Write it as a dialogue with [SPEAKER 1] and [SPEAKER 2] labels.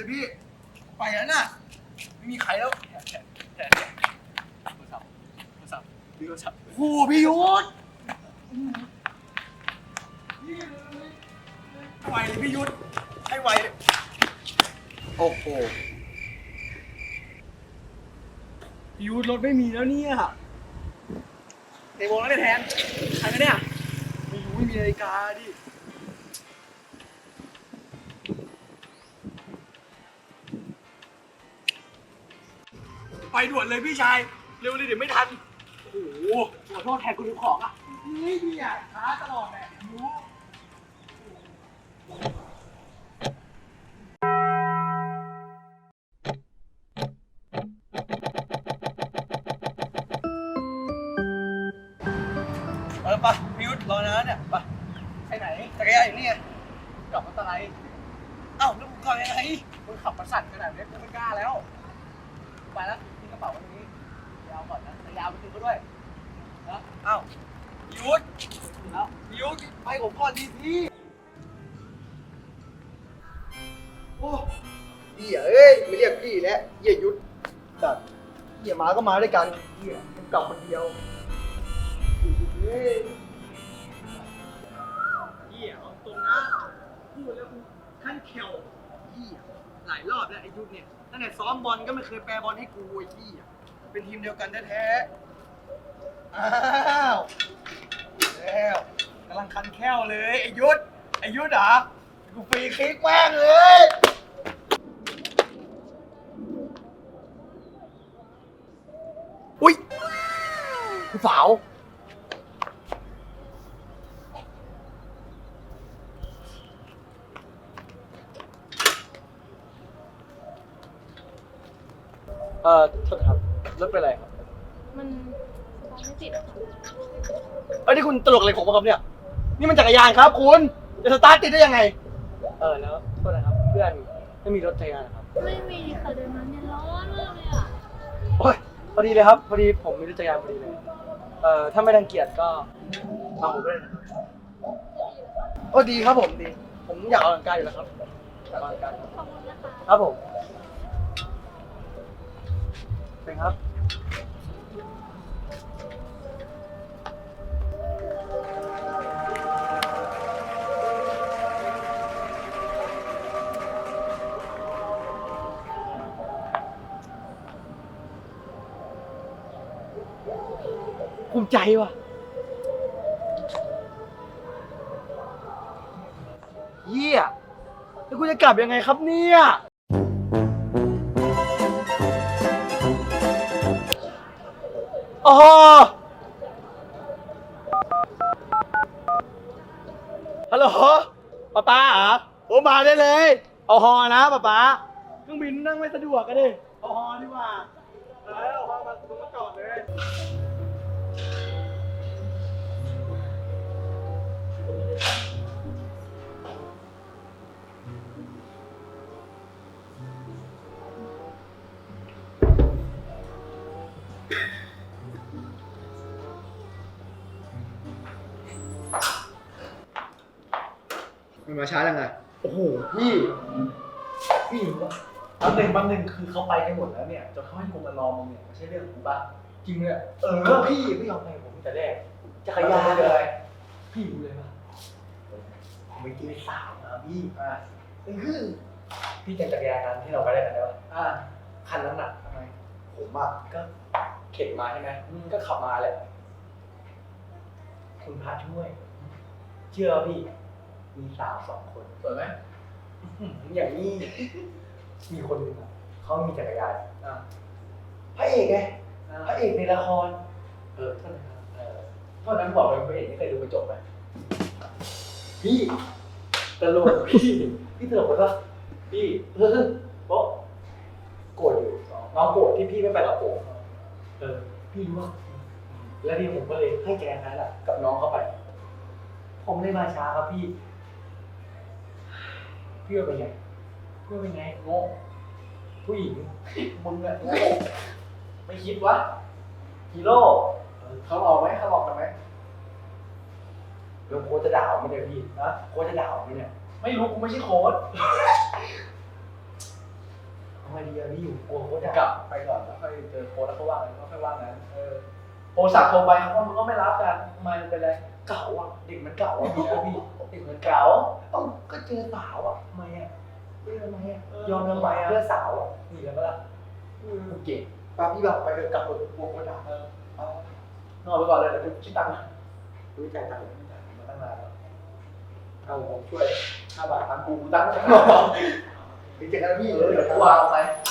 [SPEAKER 1] เลยพี่ไปแล้วน่ะไม่มีใครแล้วโทรศัพท์พี่โทรศัพท์โอ้พี่ยุทธไวเลยพี่ยุทธให้ไวเลยโอ้โหพี่ยุทธรถไม่มีแล้วเนี่ยในวงแล้วเนี่ยแทนใครกันเนี่ยไม่รู้ไม่มีนาฬิกาดิไปด่วนเลยพี่ชายเร็วเลยเดี๋ยวไม่ทันโอ้โหขอโทษแทนคุณทุกของอ่ะนี่พี่อ่ะช้าตลอดแหละรู้ปะพิวรอนะเนี่ยปะไปไหนจักรยานอยู่นี่ไงกลับมาตะไลเอ้าแล้วมึงขับยังไงมึงขับมาสั่นขนาดนี้กูไม่กล้าแล้วไปแล้วทิ้งกระเป๋าไว้ตรงนี้ยาวก่อนนะแต่ยาวไปทิ้งก็ด้วยนะเอ้าพิวแล้วพิวไปผมก่อนดีพี่โอ้เหี้ยเอ้ยไม่เรียกพี่แล้วเหี้ยยุทธจัดเหี้ยมาก็มาด้วยกันเหี้ยมันกลับคนเดียวเฮ้ยเหี้ยเอาตรงนะพูดแล้วกูขั้นเขียวเหี้ยหลายรอบแล้วไอ้ยุทธเนี่ยตั้งแต่ซ้อมบอลก็ไม่เคยแปรบอลให้กูไอ้เหี้ยเป็นทีมเดียวกันแท้ๆอ้าวแล้วกำลังคันแค้วเลยไอ้ยุทธเหรอกูฟรีคิกแม่งเลยอุ้ยกูสาวโทษครับรถเป็นไรครับ
[SPEAKER 2] มันสตาร์ทไม่ติดอะค่ะ
[SPEAKER 1] เอ้ยนี่คุณตลกอะไรของผมครับเนี่ยนี่มันจักรยานครับคุณจะสตาร์ทติดได้ยังไงแล้วโทษนะครับเพื่อนไม่มีรถจักรยานครับ
[SPEAKER 2] ไม่มีค่ะเดินมาเนี่ยร้อนมากเลยอ่ะ
[SPEAKER 1] โอ้ยพอดีเลยครับพอดีผมมีรถจักรยานพอดีเลยถ้าไม่รังเกียจก็เอาผมด้วยโอ้ดีครับผมดีผมอยากออกกำลังกายอยู่แล้วครับอยากออกกำลังกาย
[SPEAKER 2] ขอบคุณนะคะ
[SPEAKER 1] ครับผมเป็นครับภูมิใจว่ะเยี่ยแล้วกูจะกลับยังไงครับเนี่ยอ๋อฮัลโหลป๊าเหรอโอ้มาได้เลยเอาฮอนะป๊าเครื่องบินนั่งไม่สะดวกกันดิเอาฮอดีกว่าเอาฮอมาจอดเลยมันมาช้ายังไงโอ้โหพี่รู้ป่ะบางหนึ่งคือเขาไปกันหมดแล้วเนี่ยจนเขาให้กูมารอมึงเนี่ยไม่ใช่เรื่องกูป่ะจริงเลยพี่ไม่ยอมไปผมแต่แรกจักรยานเลยพี่รู้เลยป่ะผมไปกินสาวมาพี่พี่จักรยานนั้นที่เราไปได้กันแล้วคันนั้นน่ะทำไมผมก็เข็นมาใช่ไหมก็ขับมาแหละคุณพาช่วยเชื่อพี่มีสาว2 คนสวยไหมอย่างนี้มีคนหนึ่งเขามีจักรยานพระเอกไงพระเอกในละครโทษนะครับโทษนั้นบอกเลยพระเอกไม่เคยดูกระจกไหมพี่ตลกพี่ตลกปะพี่โป๊ะโกรธอยู่น้องโกรธที่พี่ไม่ไปกับโป๊ะพี่รู้ว่าแล้วนี่ผมก็เลยให้แกนั้นแหละกับน้องเข้าไปผมเลยมาช้าครับพี่ว่าเป็นไงโง่ผู้หญิงมึงอะโง่ไม่คิดวะฮีโร่เขาหลอกไหมกันไหมแล้วโค้ชจะด่าไหมเนี่ยพี่นะโค้ชจะด่าไหมเนี่ยไม่รู้กูไม่ใช่โค้ชไงดีอะพี่อยู่กลัวโค้ช
[SPEAKER 3] กลับไปก่อนแล้วค่อยเจอโค้ชแล้วเขาว่าอะไรก็ค่อยว่างั้นโทรศัพท์โทรไปเขาก็ไม่รับกันทำไมมันเป็นไร
[SPEAKER 1] เก่าอ่ะเด็กมันเก่าอ่ะพี่เด็กมัน
[SPEAKER 3] เก๋า
[SPEAKER 1] เอ้าก็เจอสาวอ่ะทำไมอ่ะทำไมอ่ะยอมทำไมเพื่อสาวอ่ะ
[SPEAKER 3] นี่แล้วก็ล่ะกูเก่ง
[SPEAKER 1] ป้าพี่บอกไปกลับรถกลัวโค้ชด่าน
[SPEAKER 3] อนไปก่อนเลยเดี๋ยวกูคิดตังค์นะ
[SPEAKER 1] รู้ใจตังค์
[SPEAKER 3] มาตั้งนานแล้ว
[SPEAKER 1] เอาผมช่วย5 บาท
[SPEAKER 3] ตังค์กูตั้งค์
[SPEAKER 1] ไปเจอกันพี่
[SPEAKER 3] เดี๋ยวกูวางไป